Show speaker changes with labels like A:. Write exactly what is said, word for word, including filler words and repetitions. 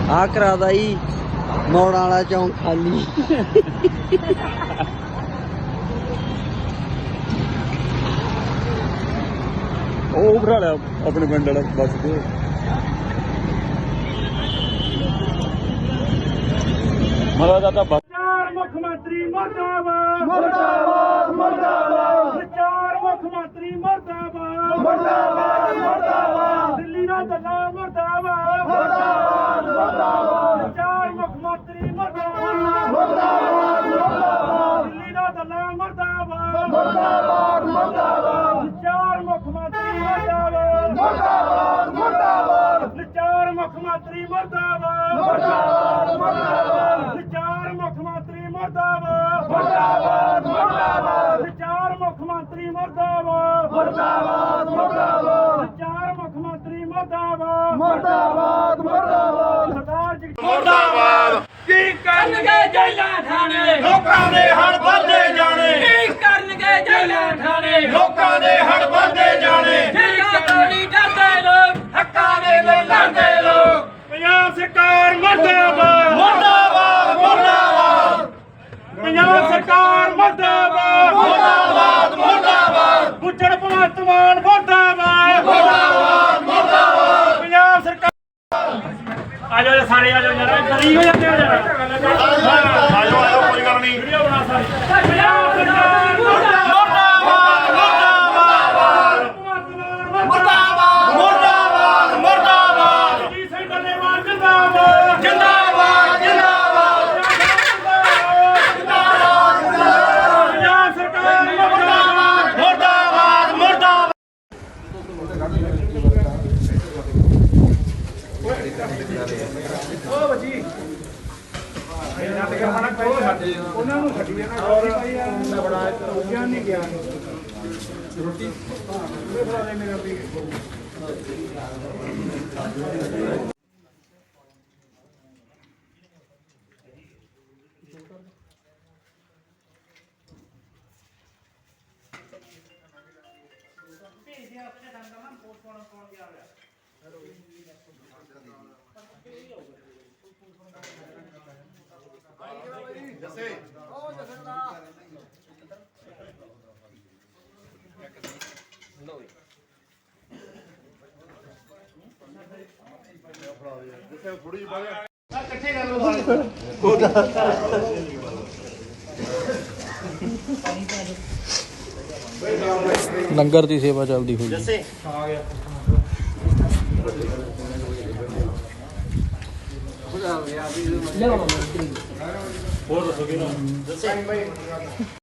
A: ਆ ਕਰਾਦਾ ਜੀ ਮੋੜਾਂ ਵਾਲਾ ਚੌਂਕ ਖਾਲੀ।
B: ਉਹ ਭਰਾ ਲਿਆ ਆਪਣੇ ਪਿੰਡ ਵਾਲਾ ਬੱਸ ਤੇ। ਮਰਾ ਦਾ ਤਾਂ
C: ਚਾਰ ਮੁੱਖ ਮੰਤਰੀ ਮੁਰਦਾਬਾਦ ਮੁਰਦਾਬਾਦ ਮੁਰਦਾਬਾਦ। ਚਾਰ ਮੁੱਖ ਮੰਤਰੀ ਮੁਰਦਾਬਾਦ ਮੁਰਦਾਬਾਦ ਮੁਰਦਾਬਾਦ। ਦਿੱਲੀ ਦਾ ਦੱਲਾ ਮੁਰਦਾਬਾਦ ਮੁਰਦਾਬਾਦ ਮੁਰਦਾਬਾਦ। ਚਾਰ ਮੁੱਖ ਮੰਤਰੀ ਮੁਰਦਾਬਾਦ ਮੁਰਦਾਬਾਦ ਮੁਰਦਾਬਾਦ। ਦਿੱਲੀ ਦਾ ਦੱਲਾ ਮੁਰਦਾਬਾਦ ਮੁਰਦਾਬਾਦ ਮੁਰਦਾਬਾਦ। ਚਾਰ ਮੁੱਖ ਮੰਤਰੀ ਮੁਰਦਾਬਾਦ ਮੁਰਦਾਬਾਦ ਮੁਰਦਾਬਾਦ। ਚਾਰ ਮੁੱਖ ਮੰਤਰੀ ਮੁਰਦਾਬਾਦ ਮੁਰਦਾਬਾਦ ਮੁਰਦਾਬਾਦ। ਚਾਰ ਮੁੱਖ ਮੰਤਰੀ ਮੁਰਦਾਬਾਦ ਮੁਰਦਾਬਾਦ ਮੁਰਦਾਬਾਦ। ਚਾਰ ਮੁੱਖ ਮੰਤਰੀ ਮੁਰਦਾਬਾਦ ਮੁਰਦਾਬਾਦ ਮੁਰਦਾਬਾਦ। ਚਾਰ ਮੁੱਖ ਮੰਤਰੀ ਮੁਰਦਾਬਾਦ ਮੁਰਦਾਬਾਦ ਮੁਰਦਾਬਾਦ। ਸਰਦਾਰ ਜੀ
D: ਮੁਰਦਾਬਾਦ।
C: ਕੀ ਕਰਨਗੇ ਜੇਲਾਂ ਠਾਣੇ
D: ਲੋਕਾਂ ਦੇ ਹੜ ਵੱਧਦੇ ਜਾਣੇ।
C: ਕੀ ਕਰਨਗੇ ਜੇਲਾਂ ਠਾਣੇ
D: ਲੋਕਾਂ ਦੇ ਹੜ ਵੱਧਦੇ ਜਾਣੇ।
C: ਜੇਲਾਂ ਤੋਂ ਨਹੀਂ ਡਰਦੇ ਲੋਕ
D: ਹੱਕਾਂ ਦੇ ਲਈ ਲੜਦੇ ਲੋਕ।
C: ਪੰਜਾਬ ਸਰਕਾਰ ਮੁਰਦਾਬਾਦ
D: ਮੁਰਦਾਬਾਦ ਮੁਰਦਾਬਾਦ
C: ਪੰਜਾਬ ਸਰਕਾਰ ਮੁਰਦਾਬਾਦ
D: ਮੁਰਦਾਬਾਦ ਮੁਰਦਾਬਾਦ
C: ਗੁੱਜਰ ਭਗਵੰਤ ਮਾਨ ਮੁਰਦਾਬਾਦ
D: ਮੁਰਦਾਬਾਦ ਮੁਰਦਾਬਾਦ।
C: ਪੰਜਾਬ ਸਰਕਾਰ ਆ ਜਾਓ ਸਾਰੇ ਆ ਜਾਓ ਯਾਰ ਡਰੀ ਹੋ ਜਾਂਦੇ ਹੋ ਯਾਰ
D: ਆਜੋ ਆਜੋ ਕੋਈ ਗੱਲ ਨਹੀਂ।
C: ਵੀਡੀਓ ਬਣਾ ਸਾਰੇ ਪੰਜਾਬ ਸਰਕਾਰ
D: ਮੁਰਦਾਬਾਦ ਮੁਰਦਾਬਾਦ ਮੁਰਦਾਬਾਦ ਮੁਰਦਾਬਾਦ ਮੁਰਦਾਬਾਦ
C: ਜੀ ਸਿੰਘ ਡੱਲੇਵਾਲ ਜਿੰਦਾਬਾਦ
D: ਜਿੰਦਾਬਾਦ ਜਿੰਦਾਬਾਦ
C: ਪੰਜਾਬ ਸਰਕਾਰ ਮੁਰਦਾਬਾਦ
D: ਮੁਰਦਾਬਾਦ ਮੁਰਦਾਬਾਦ।
C: ਉਹਨਾਂ ਨੂੰ ਛੱਡੀ ਜਾਣਾ ਭਾਈ ਬੜਾ ਰੋਕਿਆ ਨਹੀਂ ਗਿਆ ਰੋਟੀ ਬਣਾ ਦੇ ਮੇਰਾ ਵੀ
A: ਲੰਗਰ ਦੀ ਸੇਵਾ ਚੱਲਦੀ ਹੋਈ।
D: ਜੱਸੇ
C: ਆ ਗਿਆ
D: ਹੋਰ ਦੱਸੋ ਕਿਹਨੂੰ ਜੱਸੇ